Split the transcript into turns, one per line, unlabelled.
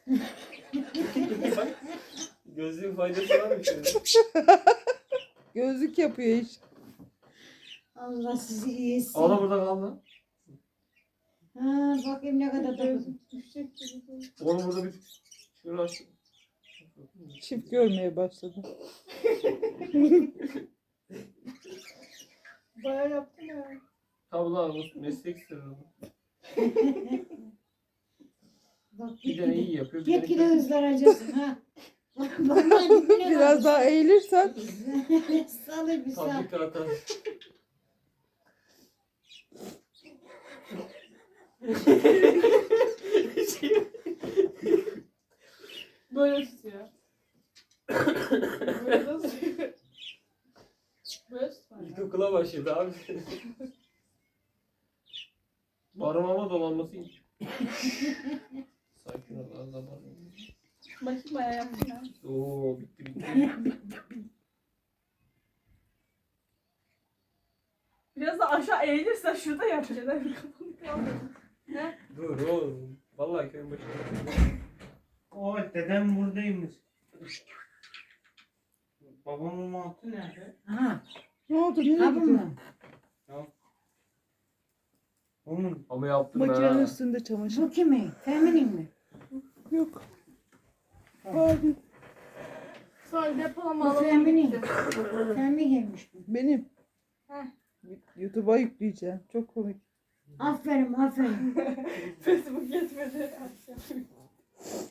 Gözlüğün faydası var mı şimdi?
Gözlük yapıyor iş.
Allah sizi iyi etsin.
O da burada kaldı.
Ha, bakayım ne kadar takıldım.
Onu burada bir şöyle aç.
Çift görmeye başladı.
Bayağı yaptım ya.
Tabi lan bu meslek sırrı.
Bak
Bir tane iyi yapıyor. Bir
gitgide
tane
hızlanacaksın ha. Vallahi dibine
Biraz daha eğilirsen
Salı bir sal.
fabrika atar.
Böyle tutuyor. Böyle nasıl? Böyle tutuyor.
İlkokula başladı abi. Barınmama dolanması iyi. Sakin ol az da barınma.
Bakayım bayağı yaptım ya.
Oo bitti bitti.
Biraz da aşağı eğilirsen şurada yapacaksın. Kafanı kaldır.
Dur oğlum. Vallahi köyün başında.
O dedem buradaymış. Babamın mantı nerede?
Ha,
ne oldu? Nereye
ha bu
gidiyorsun?
mu?
Onun.
Ama yaptım
Makinenin
ha.
üstünde çamaşır.
Bu kimin? Feminin mi?
Yok. Abi
Sonra depolama
Bu
alanına
feminin.
gitti.
Femin gelmiş bu.
benim.
Heh.
YouTube'a yükleyeceğim. Çok komik.
Aferin aferin.
Facebook yetmedi.